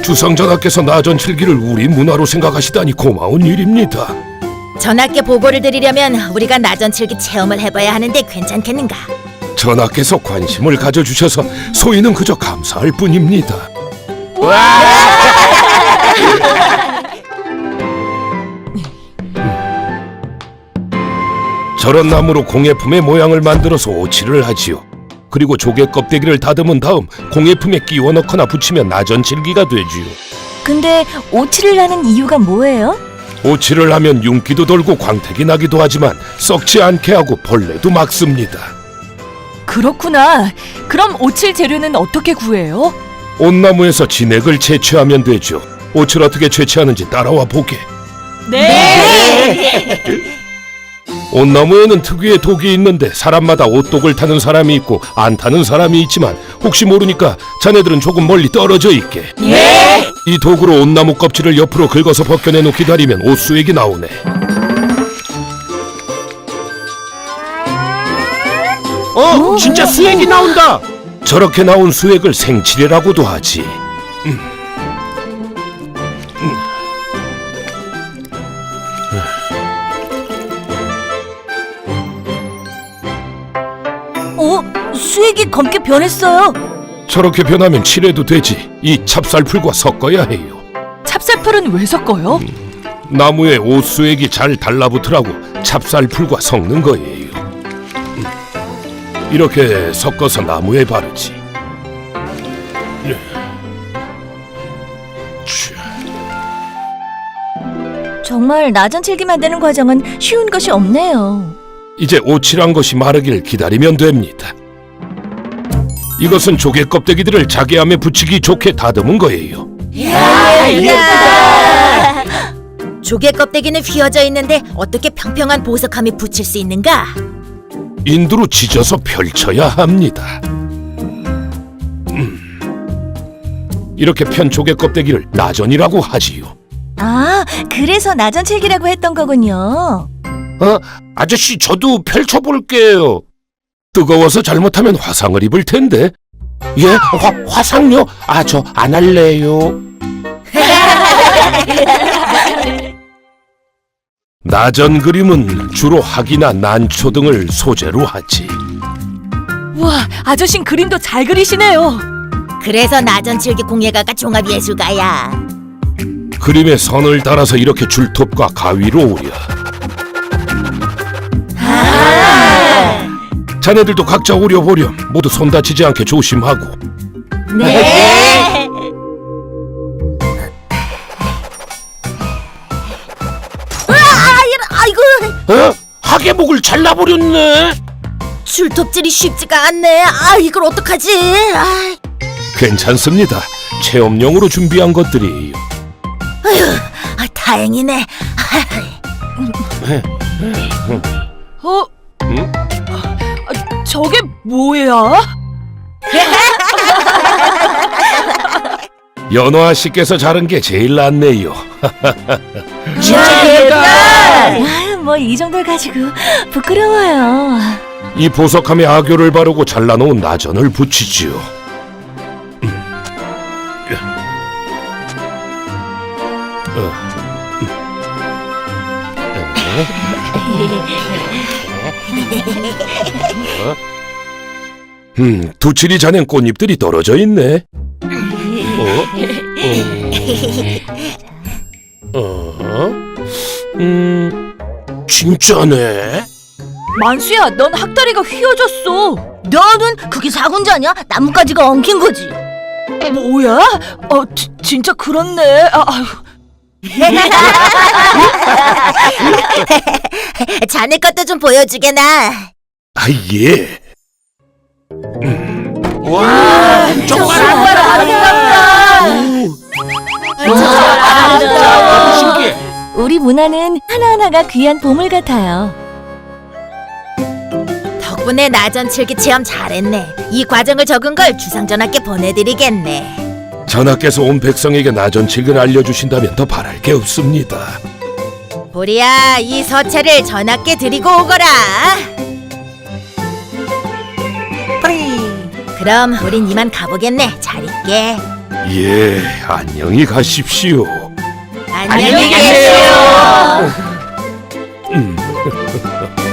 주상전하께서 나전칠기를 우리 문화로 생각하시다니 고마운 일입니다. 전하께 보고를 드리려면 우리가 나전칠기 체험을 해봐야 하는데 괜찮겠는가? 전하께서 관심을 가져주셔서 소인은 그저 감사할 뿐입니다. 저런 나무로 공예품의 모양을 만들어서 오칠을 하지요. 그리고 조개 껍데기를 다듬은 다음 공예품에 끼워 넣거나 붙이면 나전칠기가 되지요. 근데 오칠을 하는 이유가 뭐예요? 오칠을 하면 윤기도 돌고 광택이 나기도 하지만 썩지 않게 하고 벌레도 막습니다. 그렇구나. 그럼 오칠 재료는 어떻게 구해요? 온나무에서 진액을 채취하면 되죠. 옷을 어떻게 채취하는지 따라와 보게. 네. 온나무에는 특유의 독이 있는데 사람마다 옷독을 타는 사람이 있고 안 타는 사람이 있지만 혹시 모르니까 자네들은 조금 멀리 떨어져 있게. 네. 이 독으로 온나무 껍질을 옆으로 긁어서 벗겨내놓고 기다리면 옷수액이 나오네. 진짜 수액이 나온다. 저렇게 나온 수액을 생칠이라고도 하지. 수액이 검게 변했어요. 저렇게 변하면 칠해도 되지. 이 찹쌀풀과 섞어야 해요. 찹쌀풀은 왜 섞어요? 나무에 옷수액이 잘 달라붙으라고 찹쌀풀과 섞는 거예요. 이렇게 섞어서 나무에 바르지. 정말 나전칠기 만드는 과정은 쉬운 것이 없네요. 이제 오칠한 것이 마르길 기다리면 됩니다. 이것은 조개 껍데기들을 자개함에 붙이기 좋게 다듬은 거예요. 예쁘다. 조개 껍데기는 휘어져 있는데 어떻게 평평한 보석함에 붙일 수 있는가? 인두로 찢어서 펼쳐야 합니다. 이렇게 편 조개 껍데기를 나전이라고 하지요. 아, 그래서 나전칠기라고 했던 거군요. 아저씨 저도 펼쳐볼게요. 뜨거워서 잘못하면 화상을 입을 텐데. 예? 화상요? 저 안 할래요. 나전 그림은 주로 학이나 난초 등을 소재로 하지. 와, 아저씨는 그림도 잘 그리시네요. 그래서 나전칠기 공예가가 종합예술가야. 그림에 선을 따라서 이렇게 줄톱과 가위로 오려. 자네들도 각자 오려보렴. 모두 손 다치지 않게 조심하고. 네. 아이고, 학의 목을 잘라버렸네. 줄톱질이 쉽지가 않네. 이걸 어떡하지? 괜찮습니다. 체험용으로 준비한 것들이에요. 다행이네. 저게 뭐야? 연화 씨께서 자른 게 제일 낫네요. 진짜 예쁘다. 뭐 이 정도를 가지고 부끄러워요. 이 보석함에 아교를 바르고 잘라놓은 나전을 붙이지요. 두칠이 자넨 꽃잎들이 떨어져 있네. 진짜네. 만수야, 넌 학다리가 휘어졌어. 너는 그게 사군자냐? 나뭇가지가 엉킨 거지. 뭐야? 진짜 그렇네. 자네 것도 좀 보여주게나. 예. 와, 정말 아름답다. 신기해. 우리 문화는 하나하나가 귀한 보물 같아요. 덕분에 나전칠기 체험 잘했네. 이 과정을 적은 걸 주상전하께 보내드리겠네. 전하께서 온 백성에게 나전칠기를 알려주신다면 더 바랄 게 없습니다. 보리야, 이 서체를 전하께 드리고 오거라. 그럼 우린 이만 가보겠네. 잘 있게. 예, 안녕히 가십시오. 안녕히 계세요. 음.